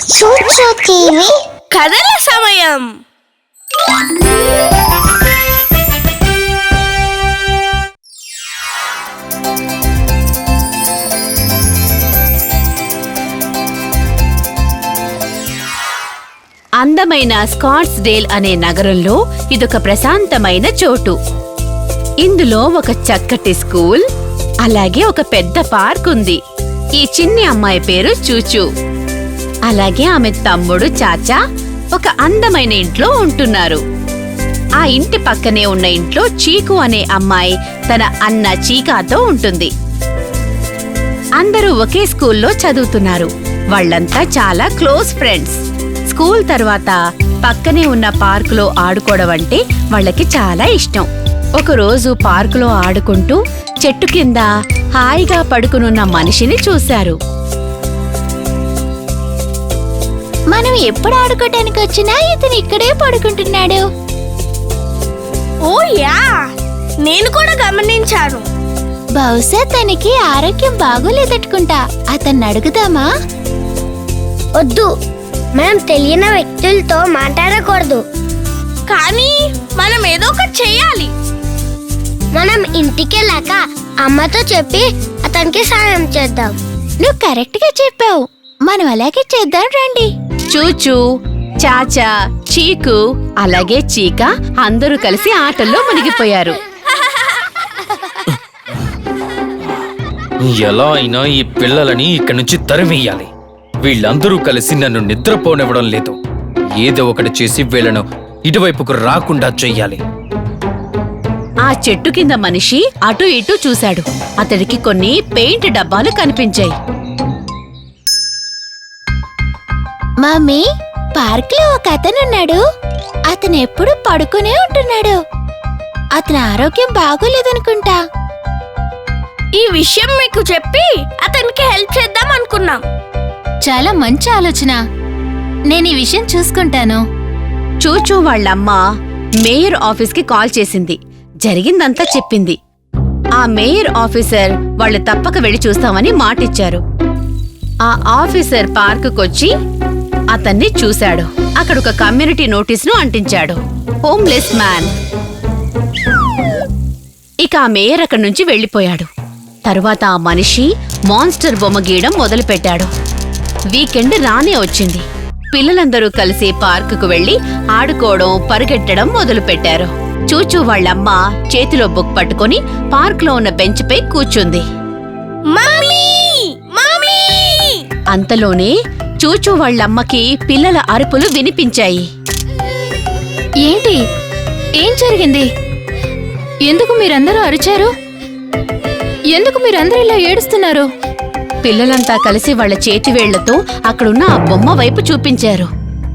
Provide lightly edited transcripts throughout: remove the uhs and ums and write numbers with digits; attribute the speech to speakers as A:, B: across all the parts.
A: చూచు టీవీ
B: కథల సమయం.
C: అందమైన స్కాట్స్డేల్ అనే నగరంలో ఇదొక ప్రశాంతమైన చోటు. ఇందులో ఒక చక్కటి స్కూల్, అలాగే ఒక పెద్ద పార్క్ ఉంది. ఈ చిన్ని అమ్మాయి పేరు చూచూ. అలాగే ఆమె తమ్ముడు చాచా ఒక అందమైన ఇంట్లో ఉంటున్నారు. ఆ ఇంటి పక్కనే ఉన్న ఇంట్లో చీకు అనే అమ్మాయి తన అన్న చీకాతో ఉంటుంది. అందరూ ఒకే స్కూల్లో చదువుతున్నారు. వాళ్ళంతా చాలా క్లోజ్ ఫ్రెండ్స్. స్కూల్ తర్వాత పక్కనే ఉన్న పార్కులో ఆడుకోవడం అంటే వాళ్ళకి చాలా ఇష్టం. ఒకరోజు పార్కులో ఆడుకుంటూ చెట్టు కింద హాయిగా పడుకునున్న మనిషిని చూశారు.
A: మనం ఎప్పుడు ఆడుకోవడానికి వచ్చినా ఇతను ఇక్కడే పడుకుంటున్నాడు.
B: ఓ యా, నేను కూడా గమనించాను.
A: బహుశా తనకి ఆరోగ్యం బాగోలేదట్టుకుంటా. అతన్ని అడుగుదామా? వద్దు, మనం తెలియని వ్యక్తులతో మాట్లాడకూడదు.
B: కానీ మనం ఏదో ఒకటి చెయ్యాలి.
A: మనం ఇంటికెళ్ళాక అమ్మతో చెప్పి అతనికి సాయం చేద్దాం. నువ్వు కరెక్ట్ గా చెప్పావు. మనం అలాగే చేద్దాం, రండి.
C: చూచూ, చాచా, చీకు అలాగే చీకా అందరూ కలిసి ఆటల్లో మునిగిపోయారు.
D: ఎలా అయినా ఈ పిల్లలని ఇక్కడి నుంచి తరిమేయాలి. వీళ్ళందరూ కలిసి నన్ను నిద్రపోనివ్వడం లేదు. ఏదో ఒకటి చేసి వీళ్ళను ఇటువైపుకు రాకుండా చెయ్యాలి.
C: ఆ చెట్టు కింద మనిషి అటు ఇటు చూశాడు. అతడికి కొన్ని పెయింట్ డబ్బాలు కనిపించాయి.
A: మమ్మీ, పార్క్ లో ఒక అతనున్నాడు. అతను ఎప్పుడు పడుకునే ఉంటున్నాడు. అతని ఆరోగ్యం బాగోలేదనుకుంటా.
B: ఈ విషయం మీకు చెప్పి అతనికి హెల్ప్ చేద్దాం అనుకున్నాం.
A: చాలా మంచి ఆలోచన. నేను ఈ విషయం చూసుకుంటాను.
C: చూచూ వాళ్ళమ్మ మేయర్ ఆఫీస్కి కాల్ చేసింది. జరిగిందంతా చెప్పింది. ఆ మేయర్ ఆఫీసర్ వాళ్ళు తప్పక వెళ్లి చూస్తామని మాటిచ్చారు. ఆ ఆఫీసర్ పార్కుకొచ్చి అతన్ని చూశాడు. అక్కడ ఒక కమ్యూనిటీ నోటీసును అంటించాడు. Homeless man. ఇక ఆ మేయర్ అక్కడి నుంచి వెళ్లిపోయాడు. తరువాత ఆ మనిషి మాన్స్టర్ బొమ్మ గీయడం మొదలుపెట్టాడు. వీకెండ్ రానే వచ్చింది. పిల్లలందరూ కలిసి పార్కుకు వెళ్లి ఆడుకోవడం, పరిగెట్టడం మొదలుపెట్టారు. చూచూ వాళ్ళమ్మ చేతిలో బుక్ పట్టుకుని పార్క్ లో ఉన్న బెంచ్ పై కూర్చుంది.
B: Mummy, mummy!
C: అంతలోనే చూచూ వాళ్ళమ్మకి పిల్లల అరుపులు వినిపించాయి.
A: ఏంటి? ఏం జరిగింది? ఎందుకు మీరందరూ అరిచారు? ఎందుకు మీరందరూ ఇలా ఏడుస్తున్నారు?
C: పిల్లలంతా కలిసి వాళ్ల చేతివేళ్లతో అక్కడున్న ఆ బొమ్మ వైపు చూపించారు.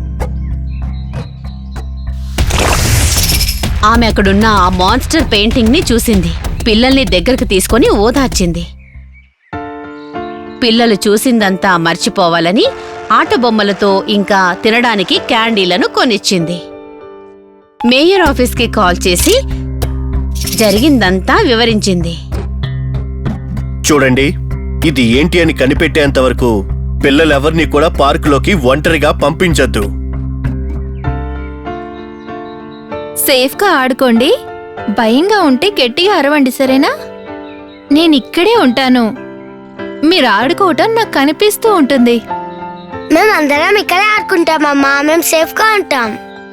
C: ఆమె అక్కడున్న ఆ మాన్స్టర్ పెయింటింగ్ ని చూసింది. పిల్లల్ని దగ్గరకు తీసుకుని ఓదార్చింది. పిల్లలు చూసిందంతా మర్చిపోవాలని ఆట బొమ్మలతో ఇంకా తినడానికి క్యాండీలను కొనిచ్చింది. మేయర్ ఆఫీస్కి కాల్ చేసి జరిగిందంతా వివరించింది.
E: చూడండి, ఇది ఏంటి అని కనిపెట్టేంత వరకు పిల్లలెవర్నీ కూడా పార్కులోకి ఒంటరిగా పంపించొద్దు.
A: సేఫ్గా ఆడుకోండి. భయంగా ఉంటే గట్టిగా అరవండి, సరేనా? నేనిక్కడే ఉంటాను. మీరు ఆడుకోవటం నాకు కనిపిస్తూ ఉంటుంది. మేమందరం ఇక్కడే ఆడుకుంటామమ్మా. మేము సేఫ్గా ఉంటాం.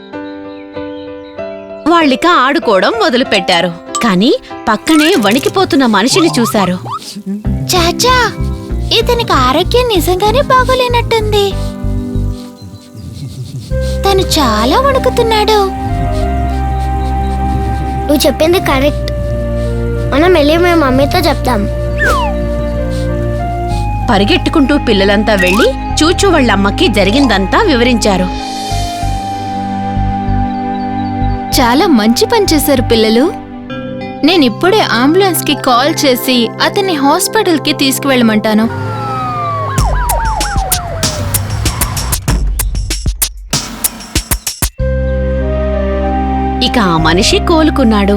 C: వాళ్ళిక ఆడుకోవడం మొదలుపెట్టారు. కాని పక్కనే వణికిపోతున్న మనిషిని చూశారు.
A: చాచా, ఇతనికి ఆరోగ్యం నిజంగానే బాగోలేనట్టుంది. తను చాలా వణుకుతున్నాడు. నువ్వు చెప్పింది కరెక్ట్. మనం వెళ్ళి మేము మమ్మీతో చెప్తాం.
C: పరిగెట్టుకుంటూ పిల్లలంతా వెళ్లి చూచూ వాళ్ళమ్మకి జరిగిందంతా వివరించారు.
A: చాలా మంచి పని చేశారు పిల్లలు. నేనిప్పుడే అంబులెన్స్ కి కాల్ చేసి అతన్ని హాస్పిటల్ కి తీసుకువెళ్ళమంటాను.
C: ఇక ఆ మనిషి కోలుకున్నాడు.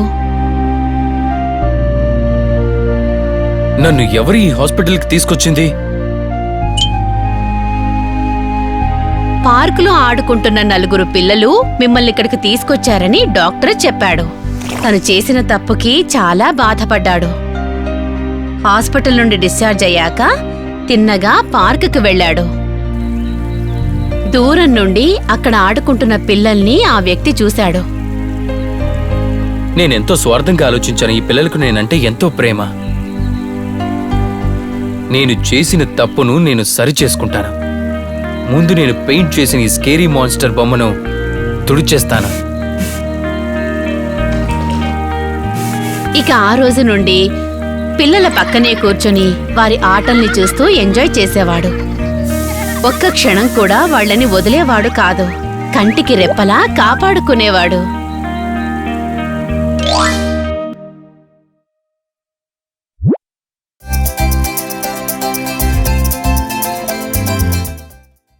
D: నన్ను ఎవరు ఈ హాస్పిటల్కి తీసుకొచ్చింది?
C: పార్కులో ఆడుకుంటున్న 4 పిల్లలు మిమ్మల్ని ఇక్కడికి తీసుకొచ్చారని డాక్టర్ చెప్పాడు. తను చేసిన తప్పుకి చాలా బాధపడ్డాడు. హాస్పిటల్ నుండి డిశ్చార్జ్ అయ్యాక తిన్నగా పార్కుకి వెళ్ళాడు. దూరం నుండి అక్కడ ఆడుకుంటున్న పిల్లల్ని ఆ వ్యక్తి చూశాడు.
D: నేనెంతో స్వార్థంగా ఆలోచించాను. ఈ పిల్లలకు నేనంటే ఎంతో ప్రేమ. నేను చేసిన తప్పును నేను సరిచేసుకుంటాను. ముందు నేను పెయింట్ చేసిన ఈ స్కేరీ మాన్స్టర్ బొమ్మను తుడిచేస్తాను.
C: ఇక ఆ రోజు నుండి పిల్లల పక్కనే కూర్చొని వారి ఆటల్ని చూస్తూ ఎంజాయ్ చేసేవాడు. ఒక్క క్షణం కూడా వాళ్ళని వదిలేవాడు కాదు. కంటికి రెప్పలా కాపాడుకునేవాడు.